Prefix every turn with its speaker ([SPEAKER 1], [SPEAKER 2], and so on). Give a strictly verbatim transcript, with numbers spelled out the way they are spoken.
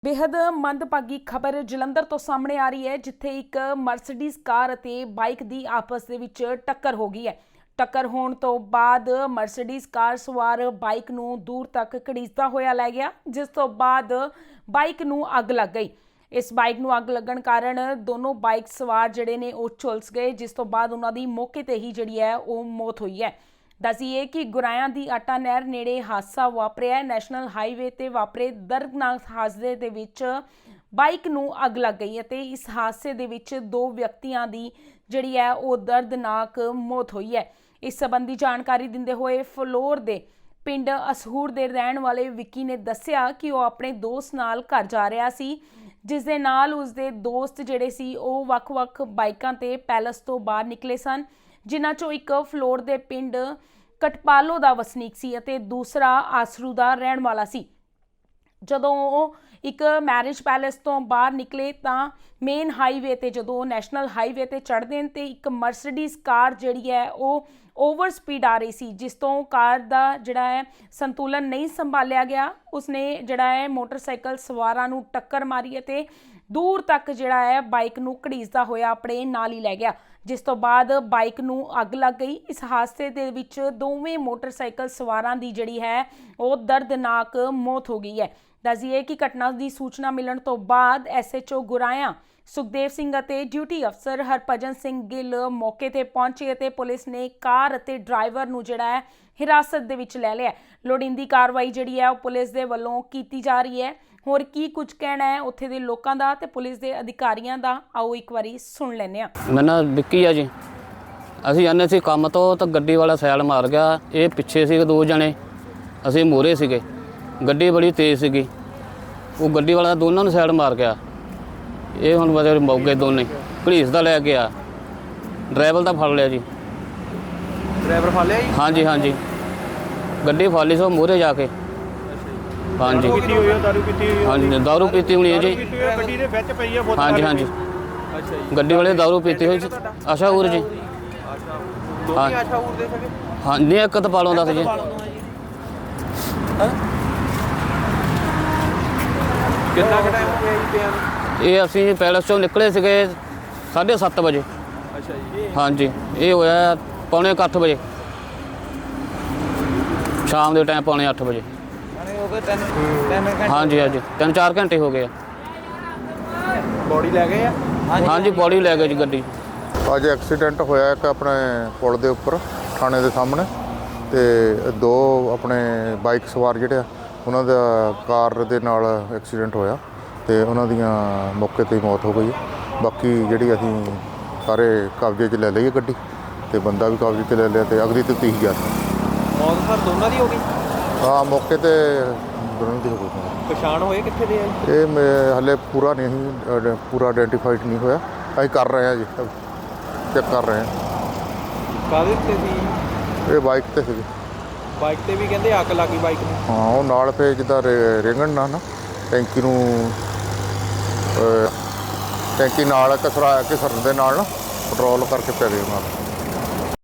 [SPEAKER 1] बेहद मंदभागी खबर जलंधर तो सामने आ रही है जिथे एक मर्सिडीज कार ਅਤੇ ਬਾਈਕ ਦੀ ਆਪਸ ਦੇ ਵਿੱਚ ਟੱਕਰ ਹੋ ਗਈ ਹੈ। ਟੱਕਰ ਹੋਣ ਤੋਂ ਬਾਅਦ ਮਰਸਿਡੀਜ਼ ਕਾਰ ਸਵਾਰ ਬਾਈਕ ਨੂੰ ਦੂਰ ਤੱਕ ਘੜੀਸਦਾ ਹੋਇਆ ਲੈ ਗਿਆ, ਜਿਸ ਤੋਂ ਬਾਅਦ ਬਾਈਕ ਨੂੰ ਅੱਗ ਲੱਗ ਗਈ। ਇਸ ਬਾਈਕ ਨੂੰ ਅੱਗ ਲੱਗਣ ਕਾਰਨ ਦੋਨੋਂ ਬਾਈਕ ਸਵਾਰ ਜਿਹੜੇ ਨੇ ਉਹ ਝੁਲਸ ਗਏ, ਜਿਸ ਤੋਂ ਬਾਅਦ ਉਹਨਾਂ ਦੀ ਮੌਕੇ ਤੇ ਹੀ ਜਿਹੜੀ ਹੈ ਉਹ ਮੌਤ ਹੋਈ ਹੈ। दसीए कि गुरायां दी आटा नहर नेड़े हादसा वापरिया। नैशनल हाईवे ते वापरे दर्दनाक हादसे दे विच बाइक नूं अग लग गई है। इस हादसे दे विच दो व्यक्तियों की जिहड़ी है वो दर्दनाक मौत हुई है। इस संबंधी जानकारी दिंदे होए फलोर दे पिंड असहूर दे रहण वाले विक्की ने दस्सिया कि वो अपने दोस्त नाल घर जा रहा सी, जिस दे नाल उसदे दोस्त जिहड़े सी वो वख-वख बाइकां ते पैलेस तो बाहर निकले सन, जिन्हां चों एक फलोर दे पिंड कटपालो दा वसनीक सी अते दूसरा आसरू दा रहण वाला सी। जदों एक मैरिज पैलेस तो बाहर निकले तां मेन हाईवे ते जदों नैशनल हाईवे ते चढ़दे ते एक मर्सिडीज कार जिहड़ी है वो ओवर स्पीड आ रही सी, जिस तो कार दा जिहड़ा है संतुलन नहीं संभालिया गया। उसने जिहड़ा है मोटरसाइकिल सवारां नूं टक्कर मारी अते दूर तक जिहड़ा है बाइक नूं घड़ीसदा होया अपने नाल ही लै गया, जिस तो बाद बाइक नूं अग लग गई। इस हादसे दे विच दोवें मोटरसाइकिल सवारां दी जिहड़ी है वो दर्दनाक मौत हो गई है। दस्सिए कि घटना की सूचना मिलण तो बाद S H O Guraya Sukhdev Singh अते ड्यूटी अफसर हरभजन सिंह गिल मौके ते पहुंचे अते पुलिस ने कार अते ड्राइवर नूं जिहड़ा है हिरासत दे विच लै लिया। लोड़ींदी कार्रवाई जिहड़ी है पुलिस दे वल्लों कीती जा रही है। होर की कुछ कहना है उत्थे दे लोकां दा ते पुलिस दे अधिकारियां दा, आओ एक वारी सुन लैने आ।
[SPEAKER 2] मेरा नाम विक्की है जी। असीं आने सी काम तो तो गड्डी वाला सैड मार गया। ये पिछे सी दो जने, असीं मोहरे सीगे। गड्डी बड़ी तेज़ सीगी, वो गड्डी वाला दोनों नूं सैड मार गया। ये हुण बदे मौके दोने घड़ीसदा लै गया। ड्राइवर दा फड़ लिया जी।
[SPEAKER 3] ड्राइवर फड़ लिया जी?
[SPEAKER 2] हाँ जी हाँ जी, गड्डी फड़ ली सो मोहरे जाके। हाँ जी
[SPEAKER 3] दारू पीती हुई
[SPEAKER 2] हाँ जी, दारू पीती हुई है जी।
[SPEAKER 3] गड्डी दे विच पई है बोतल।
[SPEAKER 2] हाँ जी हाँ जी,
[SPEAKER 3] अच्छा जी।
[SPEAKER 2] गड्डी वाले दारू पीती हुई आशाऊर जी।
[SPEAKER 3] अच्छा, दोनों आशाऊर दे सके?
[SPEAKER 2] हाँ नहीं, एक तो पालों दा सी जी।
[SPEAKER 3] कितना का टाइम हो गया जी पिया नूं?
[SPEAKER 2] ये असीं पैलेस चों निकले सीगे साढ़े सत्त बजे।
[SPEAKER 3] अच्छा जी।
[SPEAKER 2] हाँ जी, ये होया पौने अठ बजे शाम के टाइम, पौने अठ बजे। हाँ जी हाँ जी, तीन चार घंटे हो गए।
[SPEAKER 3] बॉडी लै गए?
[SPEAKER 2] हाँ जी, बॉडी लै गए जी गड्डी।
[SPEAKER 4] अज एक्सीडेंट होया एक अपने पुल के उपर थाने के सामने, तो दो अपने बाइक सवार जिहड़े उन्हां दा कार दे नाल एक्सीडेंट होया ते उन्हां दियां मौके ते ही मौत हो गई। बाकी जिहड़ी असीं सारे कब्जे च ले लई गड्डी ते बंदा भी कब्जे च ले लिया ते अगली ते तीस हज़ार
[SPEAKER 3] मौत सर दोनों दी हो गई?
[SPEAKER 4] हाँ, मौके ते दोनों दी हो गई।
[SPEAKER 3] पछाण होए कित्थे दे आ?
[SPEAKER 4] ये मैं हले पूरा नहीं पूरा आइडेंटिफाइड नहीं होया, असीं कर रहे हैं जी, चेक कर रहे हैं।
[SPEAKER 3] काहदे ते सी?
[SPEAKER 4] ये बाइक ते सी।
[SPEAKER 3] बाइक ते भी कहंदे अग लग गई बाइक नूं?
[SPEAKER 4] हाँ, वो नाल पे जिद्दां रेंगण ना ना टैंकी नूं टैंकी नाल कसरा घिसरन दे नाल ना पेट्रोल करके पै गए नाल।